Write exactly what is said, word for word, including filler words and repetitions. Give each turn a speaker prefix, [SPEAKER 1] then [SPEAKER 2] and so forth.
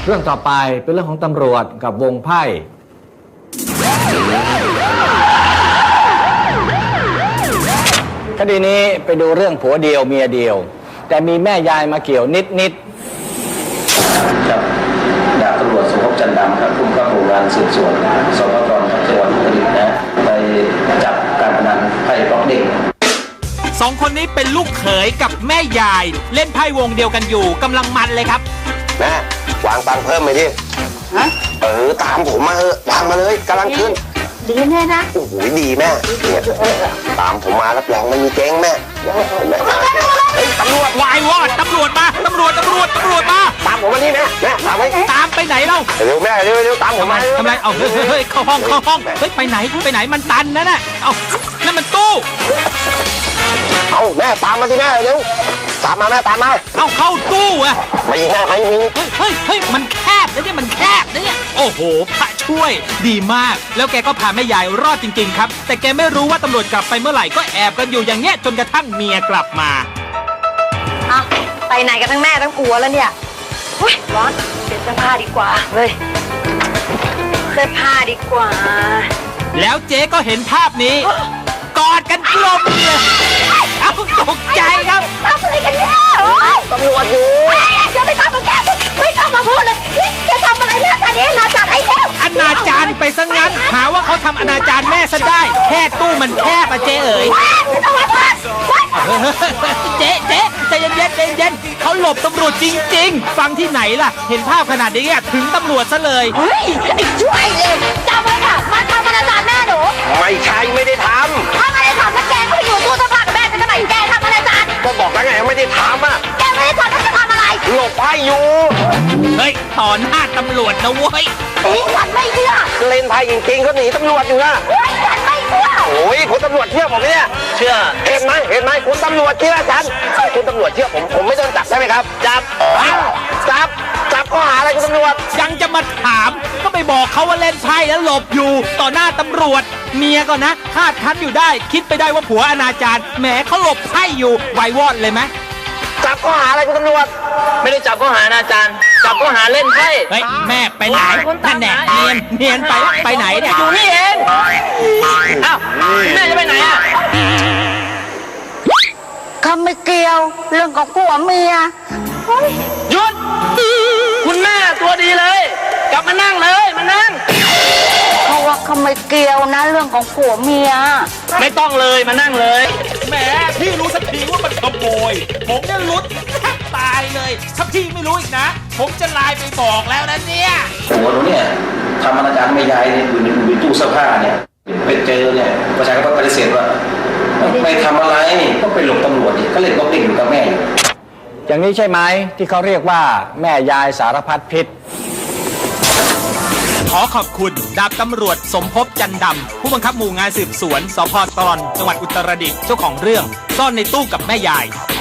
[SPEAKER 1] เรื่องต่อไปเป็นเรื่องของตำรวจกับวงไพ่คดีนี้ไปดูเรื่องผัวเดียวเมียเดียวแต่มีแม่ยายมาเกี่ยวนิดนิด
[SPEAKER 2] ครับดาบตำรวจสมภพจันดำครับผู้กำกับหมู่งานสืบสวนสพกรจังหวัดอุตรดิตถ์นะไปจับการพนันไพ่บล็อกเด้ง
[SPEAKER 3] สองคนนี้เป็นลูกเขยกับแม่ยายเล่นไพ่วงเดียวกันอยู่กำลังมันเลยครับ
[SPEAKER 4] แม่วางตังค์เพิ่มไปดิฮะเออตามผมมาเถอะวางมาเลยกำลังขึ้น
[SPEAKER 5] ดีแน่นะ
[SPEAKER 4] โอ้โหดีแม่เนี่ยตามผมมารับรองไม่มีเจ๊งแม่แม่เฮ้ยตำรวจ
[SPEAKER 3] วายวอดตำรวจมาตำรวจตำรวจตำรวจมา
[SPEAKER 4] ตามผมมานี่แม่แม่ตามไป
[SPEAKER 3] ตามไปไหนเล่า
[SPEAKER 4] เร็วแม่เร็วเร็วตามผมมา
[SPEAKER 3] ทำไมเอาเฮ้ยเฮ้ยเข้าห้องเข้าห้องเฮ้ยไปไหนไปไหนมันตันนะน่ะเอานั่นมันตู้
[SPEAKER 4] เอาแม่ตามมาสิแม่เร็วตามมาแม่ตามมา
[SPEAKER 3] เอาเข้าตู้อะ
[SPEAKER 4] ไม่แม่ไม่มี
[SPEAKER 3] เฮ้ยเฮ้ยมันแคบนะเนี่ยมันแคบนะเนี่ยโอ้โหพระช่วยดีมากแล้วแกก็พาแม่ยายรอดจริงๆครับแต่แกไม่รู้ว่าตำรวจกลับไปเมื่อไหร่ก็แอบกันอยู่อย่างเงี้ยจนกระทั่งเมียกลับมา
[SPEAKER 5] เอาไปไหนกันทั้งแม่ทั้งผัวแล้วเนี่ยเฮ้ยร้อนเปลี่ยนเสื้อผ้าดีกว่าเฮ้ยเสื้อผ้าดีกว่า
[SPEAKER 3] แล้วเจ๊ก็เห็นภาพนี้กอดกันกลมเลยเอาตกใจครับ
[SPEAKER 5] ทำอะไรกันเนี่ย
[SPEAKER 4] ตำรวจอยู่
[SPEAKER 5] จะไม่ทำกับแกไม่ต้องมาพูดเลยจะทำอะไรเนี่ยตอนนี้นาจารไอ้แล้ว
[SPEAKER 3] อนาจารไปซะงั้นหาว่าเขาทำอนาจารแม่ซะได้แค่ตู้มันแคบอะเจ๊เอ๋ยเจ๊เจ๊ใจเย็นเย็นใจเย็นเขาหลบตำรวจจริงๆฟังที่ไหนล่ะเห็นภาพขนาดนี้ถึงตำรวจซะเลย
[SPEAKER 5] เฮ้ยไอ้ช่วยเลยจำไว้ค่ะมันทำอนาจารแม่หนู
[SPEAKER 4] ไม่ใช่ไม่ได้ทำ
[SPEAKER 5] ถ้าไม่ได้ทำแล้วแกก็อยู่ตู้เสื้อผ้ากับแม่จะทำไมแกทำอนาจาร
[SPEAKER 4] ก็บอกแล้วไงไม่ได้ทำอ่ะ
[SPEAKER 5] แกไม่ได้ทำแล้วจะทำอะไร
[SPEAKER 4] หลบไพ่อยู่
[SPEAKER 3] เฮ้ยต่อหน้าตำรวจนะเว้ย
[SPEAKER 5] นี่ฉันไม่เชื่อ
[SPEAKER 4] เล่นไพ่จริงๆเขาหนีตำรวจอยู่นะ
[SPEAKER 5] เฮ้ยฉันไม่เชื่อ
[SPEAKER 4] โอ้ยคุณตำรวจเชื่อผมเนี่ยเชื่อเห็นไหมเห็นไหมคุณตำรวจเชื่อฉันคุณตำรวจเชื่อผมผมไม่โดนจับใช่ไหมครับจับจับจับข้อหาอะไรคุณตำรวจ
[SPEAKER 3] ยังจะมาถามก็ไปบอกเขาว่าเล่นไพ่แล้วหลบอยู่ต่อหน้าตำรวจเมียก็นะคาดคั้นอยู่ได้คิดไปได้ว่าผัวอนาจารแหมเขาหลบไพ่อยู่ไววอดเลยไหม
[SPEAKER 4] จับข้อหาอะไรคุณตำรวจ
[SPEAKER 2] ไม่ได้จับข้อหาอนาจารจับข้อหาเล่นไพ่
[SPEAKER 3] เฮ้ยแม่ไปไหนนั่นแหละเนียนเนียนไปไปไหนเนี่ย
[SPEAKER 2] อยู่นี่เองอ้าวแม่จะไปไหนอ่ะ
[SPEAKER 5] เขาไม่เกี่ยวเรื่องของผัวเมีย
[SPEAKER 2] หยุดคุณแม่ตัวดีเลยกลับมานั่งเลยมานั่ง
[SPEAKER 5] เขาว่าเขาไม่เกี่ยวนะเรื่องของผัวเมีย
[SPEAKER 2] ไม่ต้องเลยมานั่งเลย
[SPEAKER 3] แหมพี่รู้สักทีว่ามันขโมยผมเนี่ยลุ้นแทบตายเลยถ้าพี่ไม่รู้อีกนะผมจะไลน์ไปบอกแล้วนะเนี่ย
[SPEAKER 2] หัวหนูเนี่ยทำอนาจารแม่ยายเนี่ยอยู่ในอยู่ตู้เสื้อผ้าเนี่ยไปเจอเนี่ยประชาชนก็ปฏิเสธว่าไม่ทำอะไรก็ไปหลบตำรวจก็เล่นบล็อกเด้งอยู่กับแม่อยู่
[SPEAKER 1] อย่างนี้ใช่ไหมที่เขาเรียกว่าแม่ยายสารพัดพิษ
[SPEAKER 3] ขอขอบคุณดาบตำรวจสมภพจันดำผู้บังคับหมู่งานสืบสวนสพตรจังหวัดอุตรดิตถ์เจ้าของเรื่องซ่อนในตู้กับแม่ยาย